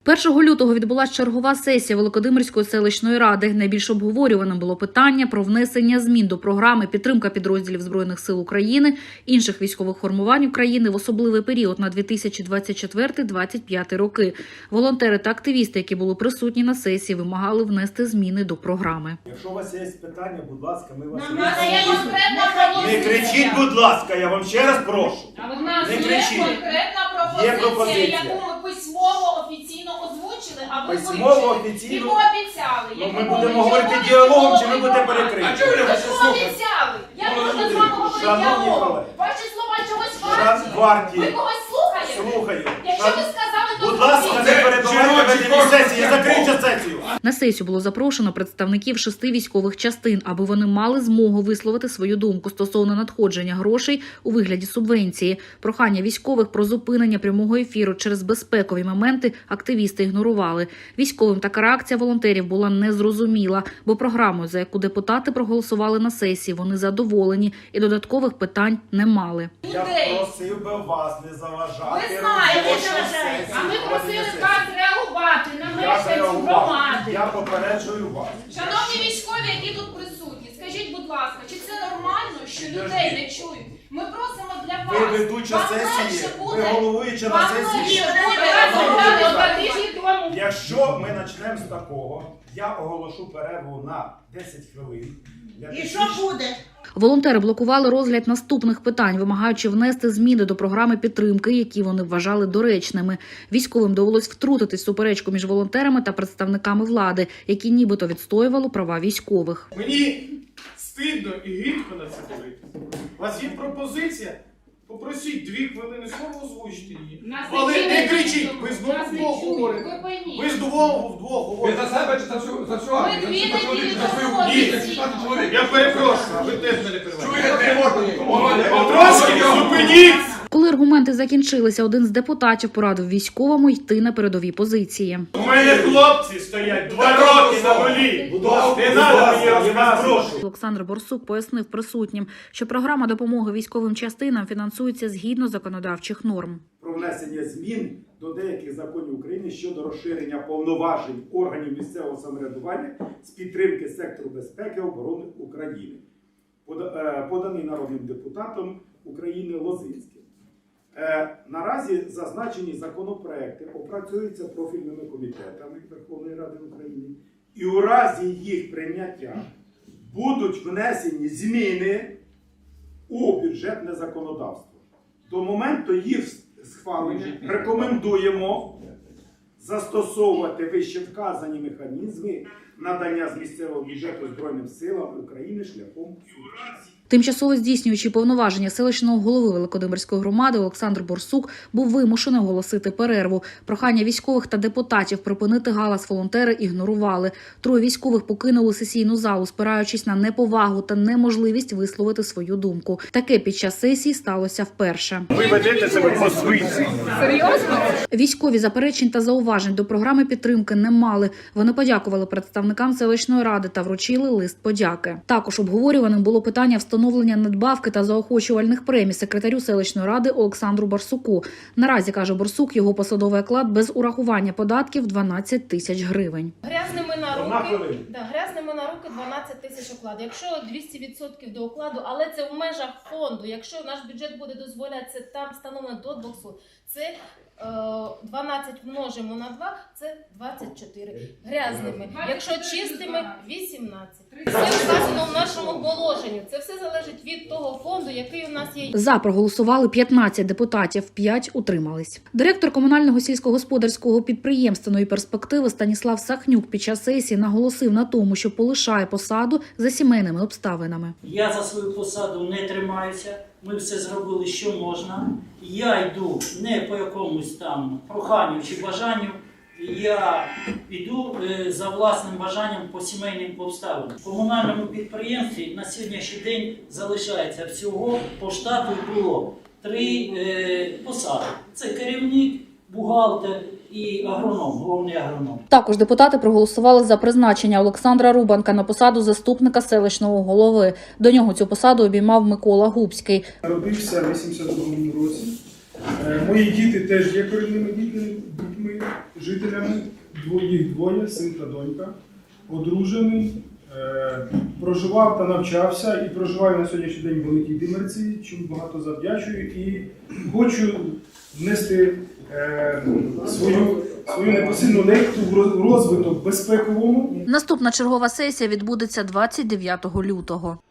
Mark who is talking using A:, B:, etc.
A: 1 лютого відбулася чергова сесія Великодимирської селищної ради. Найбільш обговорюваним було питання про внесення змін до програми «Підтримка підрозділів Збройних сил України, інших військових формувань України в особливий період на 2024-2025 роки». Волонтери та активісти, які були присутні на сесії, вимагали внести зміни до програми.
B: Якщо у вас є питання, будь ласка, ми вас
C: Не кричіть, будь ласка, я вам ще раз прошу.
D: У нас
C: Не
D: є
C: кричіть.
D: конкретна пропозиція, яку ми письмово офіційно озвучили, а ви
B: Письмово,
D: вивчили.
B: офіційно?
D: І пообіцяли.
B: Ну, ми будемо говорити діалогом, чи ви будете перекриті?
C: А чого ви не
D: Ви
C: хочете слухати?
D: пообіцяли. Як можна з вами говорити
B: Шановні
D: діалогом?
B: колеги.
D: Ваші слова чогось
B: Шановні
D: варті? Ви
B: варті.
D: когось слухаєте?
B: Слухаю.
D: Якщо ви сказали, то
B: Будь ласка, не
D: зробіть.
B: перебивайте ведення сесії, закрийте сесію.
A: На сесію було запрошено представників 6 військових частин, аби вони мали змогу висловити свою думку стосовно надходження грошей у вигляді субвенції. Прохання військових про зупинення прямого ефіру через безпекові моменти активісти ігнорували. Військовим така реакція волонтерів була незрозуміла, бо програмою, за яку депутати проголосували на сесії, вони задоволені і додаткових питань не мали.
B: Я просив би вас не заважати.
D: Ви знаєте,
B: робочій сесії
D: а ми просили
B: проведення
D: вас
B: сесії.
D: реагувати на
B: Я
D: мешканців
B: зреагував.
D: громади.
B: Я попереджую вас.
D: Шановні військові, які тут присутні, скажіть, будь ласка, чи це нормально, що людей не чують? Ми просимо для вас.
B: Ви ведуча
D: Вам
B: сесії,
D: легше
B: ви
D: буде.
B: головуюча на
D: Вам
B: сесії.
D: легше буде розмовляти з вами.
B: Якщо ми почнемо з такого, я оголошу перерву на 10 хвилин.
E: І що буде?
A: Волонтери блокували розгляд наступних питань, вимагаючи внести зміни до програми підтримки, які вони вважали доречними. Військовим довелось втрутитись в суперечку між волонтерами та представниками влади, які нібито відстоювали права військових.
F: Мені стидно і гидко на це дивитися. У вас є пропозиція? Попросіть 2 хвилини слова, озвучити її. Але не кричіть, ви знову вдвох говорите. Ви вдвох
C: Ви
F: говорите.
C: за себе чи за всю армію?
D: Ми дві
C: За чоловік,
D: неділі
C: за свою
D: тому
C: дітей,
D: офіційно.
C: 16 чоловік.
F: Я перепрошую, ви теж мене перебиваєте.
C: Чуєте?
F: Потрошки зупиніть!
A: Коли аргументи закінчилися, один з депутатів порадив військовому йти на передові позиції.
F: У мене хлопці стоять 2 роки на волі.
B: Будь ласка,
F: Не
B: будь
F: треба
B: ласка,
F: мені
B: я вас
F: розказувати.
B: прошу.
A: Олександр Борсук пояснив присутнім, що програма допомоги військовим частинам фінансується згідно законодавчих норм.
B: Про внесення змін до деяких законів України щодо розширення повноважень органів місцевого самоврядування з підтримки сектору безпеки і оборони України, поданий народним депутатом України Лозинським. Наразі зазначені законопроекти опрацюються профільними комітетами Верховної Ради України, і у разі їх прийняття будуть внесені зміни у бюджетне законодавство. До моменту їх схвалення рекомендуємо застосовувати вищевказані механізми надання з місцевого бюджету Збройним силам України шляхом субвенцій.
A: Тимчасово здійснюючи повноваження селищного голови Великодимирської громади Олександр Борсук був вимушений оголосити перерву. Прохання військових та депутатів припинити галас волонтери ігнорували. 3 військових покинули сесійну залу, спираючись на неповагу та неможливість висловити свою думку. Таке під час сесії сталося вперше.
F: Ви ведете себе по-свинськи.
A: Військові заперечень та зауважень до програми підтримки не мали. Вони подякували представникам селищної ради та вручили лист подяки. Також обговорюваним було питання встановлення надбавки та заохочувальних премій секретарю селищної ради Олександру Барсуку. Наразі, каже Борсук, його посадовий оклад без урахування податків 12 тисяч гривень.
D: Грязними на
B: Одна
D: руки,
B: хвилина.
D: грязними на руки 12 тисяч окладу. Якщо 200% до окладу, але це в межах фонду. Якщо наш бюджет буде дозволяти, це там встановлено до 200. Це 12 множимо на 2, це 24 грязними. Якщо чистими, 18. Це вказано в нашому положенні. Це все залежить від того фонду, який у нас є.
A: За проголосували 15 депутатів, 5 утримались. Директор комунального сільськогосподарського підприємства «Нові перспективи» Станіслав Сахнюк під час сесії наголосив на тому, що полишає посаду за сімейними обставинами.
G: Я за свою посаду не тримаюся, ми все зробили, що можна. Я йду не по якомусь там проханню чи бажанню, я йду за власним бажанням по сімейним обставинам. В комунальному підприємстві на сьогоднішній день залишається всього по штату було 3 посади. Це керівник, бухгалтер і агроном, головний агроном.
A: Також депутати проголосували за призначення Олександра Рубанка на посаду заступника селищного голови. До нього цю посаду обіймав Микола Губський.
H: Народився в 82-му році. Мої діти теж є корінними дітьми
E: дітьми, жителями, їх двоє, син та донька, одружений, проживав та навчався і проживаю на сьогоднішній день в Великій Димерці, чому багато завдячую і хочу внести свою непосильну лепту в розвиток безпековому.
A: Наступна чергова сесія відбудеться 29 лютого.